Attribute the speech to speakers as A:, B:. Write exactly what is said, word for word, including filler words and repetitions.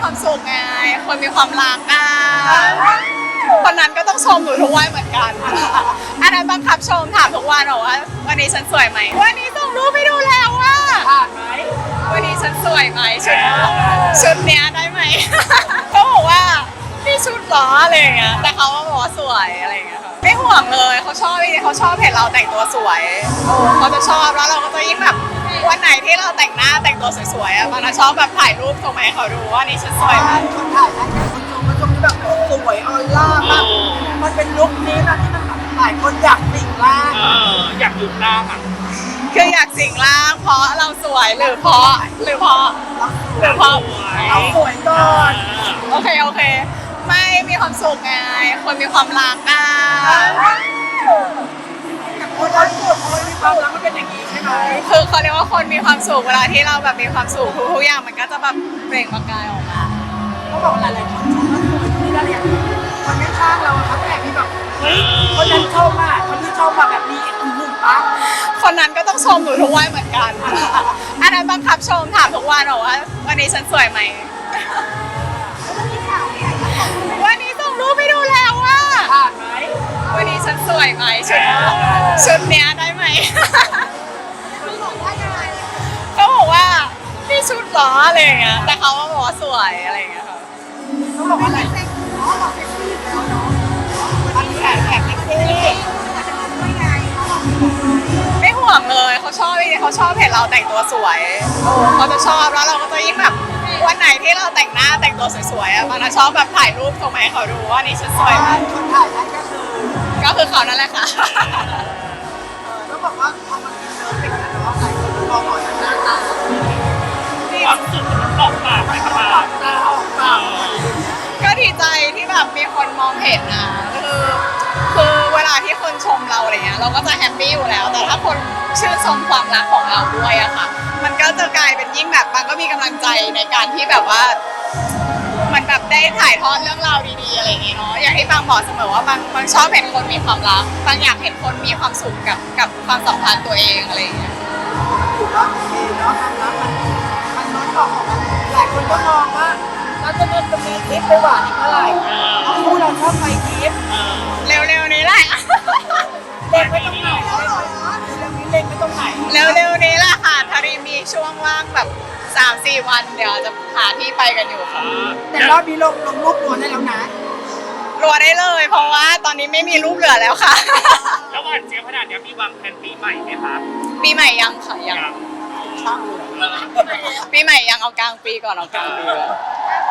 A: ความสุขไงคนมีความรักอ่ะคนนั้นก็ต้องชมหนูทุกวันเหมือนกันอันนั้นบังคับชมถามทุกวันบอกว่าวันนี้ฉันสวยไหมวันนี้ส่งรูปไปดูแล้วว่า
B: ผ่านไหม
A: วันนี้ฉันสวยไหมชุดชุดเนี้ยได้ไหมเขาบอกว่าพี่ชุดเหรออะไรอย่างเงี้ยแต่เขาก็บอกว่าสวยอะไรอย่างเงี้ยไม่ห่วงเลยเขาชอบเขาชอบเห็นเราแต่งตัวสวยโอ้เขาจะชอบแล้วเราก็จะยิ่งแบบวันไหนที่เราแต่งหน้าแต่งตัวสวยๆอ่ะมันชอบแบบถ่ายรูปส่งมาให้เขาดูว่านี่ฉันสวยไหม
B: คนถ่ายให้คนชมคนชมที่แบบสวยออร่ามากมันเป็นลุคนี้นะที่มันแบบหลายคนอยากสิงร่างอยากอยู่ร่างอ่ะ
A: คืออยากสิงร่างเพราะเราสวยหรือเพราะหรือเพราะหรือเพราะ
B: เราสวยก่อน
A: โอเคโอเคไม่มีความสุขไงคนมีความรักอ่ะ
B: คนรักสุดคนมีความรักมันเป็นอย่างนี้ใช่ไหม
A: คือเขาเรียกว่าคนมีความสุขเวลาที่เราแบบมีความสุขทุกๆอย่างมันก็จะแบบเปล่งประกายออกมา
B: เขาบอกหลายๆคนชมว่าสวยที่ได้เลยคนข้างๆเราเขาแต่ที่แบบเฮ้ยคนนั้นชมอ่ะคนที่ชมแบบนี้อือหือปะ
A: คนนั้นก็ต้องชมหนูทุกวันเหมือนกันอันนั้นบังคับชมถามทุกวันบอกว่าวันนี้ฉันสวยไหมวันนี้ส่งรูปไปดูแล้วว่า
B: ผ่านไหม
A: วันนี้ฉันสวยไหมชุดชุดเนี้ยได้ไหมเขาบอกว่าพี่ชุดเหรออะไรอย่างเงี้ยแต่เขาก็บอกว่าสวยอะไรอย่างเงี้ยค่ะ
B: เขาบอกว่าอะไรอ๋อบอกเซ็กซี่แล้วเนาะอันนี้แอบแอบเซ็กซี่
A: ไม่ห่วงเลยเขาชอบเขาชอบเห็นเราแต่งตัวสวยโอ้เขาจะชอบแล้วเราก็จะยิ่งแบบวันไหนที่เราแต่งหน้าแต่งตัวสวยๆอ่ะมันชอบแบบถ่ายรูปส่งมาให้เขาดูว่านี่ฉันสวยไหม
B: คนถ่ายให้ก็คือ
A: ก็คือเขานั่นแหละค่ะ
B: ต้องบอกว่าพอมันเป็นเนื้อเป็นเนาะหลายคนมองออกจากหน้าตาความสุขมันออกปากไปครับออกตาออกปาก
A: ก็ดีใจที่แบบมีคนมองเห็นนะคือคือเวลาที่คนชมเราอะไรเงี้ยเราก็จะแฮปปี้อยู่แล้วแต่ถ้าคนชื่นชมความรักของเราด้วยอะค่ะมันก็จะกลายเป็นยิ่งแบบมันก็มีกำลังใจในการที่แบบว่ามันแบบได้ถ่ายทอดเรื่องราวดีๆอะไรอย่างเงี้ยเนาะอย่างที่บางบอกเสมอว่าบางบางชอบเห็นคนมีความรักบางอยากเห็นคนมีความสุขกับกับความสัมพันธ์ตัวเองอะไรอย่างเงี้ย
B: ถือว่าโอเคเนาะความรักมันมันน้อยออกมาหลายคนก็มองว่าเราจะมีจะมีคลิปไปหวานอีกเมื่อไหร่เพราะคู่เราชอบไปคลิป
A: เร็วๆนี้แหละ
B: เล็งไม่ต้องไหนเรื่องนี้เล็งไม่ต้องไหน
A: เร็วๆนี้แหละค่ะทารีมีช่วงว่างแบบสามสี่วันเดี๋ยวจะหาที่ไปกันอยู่ค่ะ
B: แต่รอบนี้ลงลงรูปรวมได้แล้วนะ
A: รัวได้เลยเพราะว่าตอนนี้ไม่มีรูปเหลือแล้วค่ะ
C: แล้ววันเจี๊ยบขนาดนี้มีวางแผนปีใหม่ไหมคะ
A: ปีใหม่ยังค่ะยัง
B: ช่างเลย
A: ปีใหม่ยังเอากลางปีก่อนเอากลางปี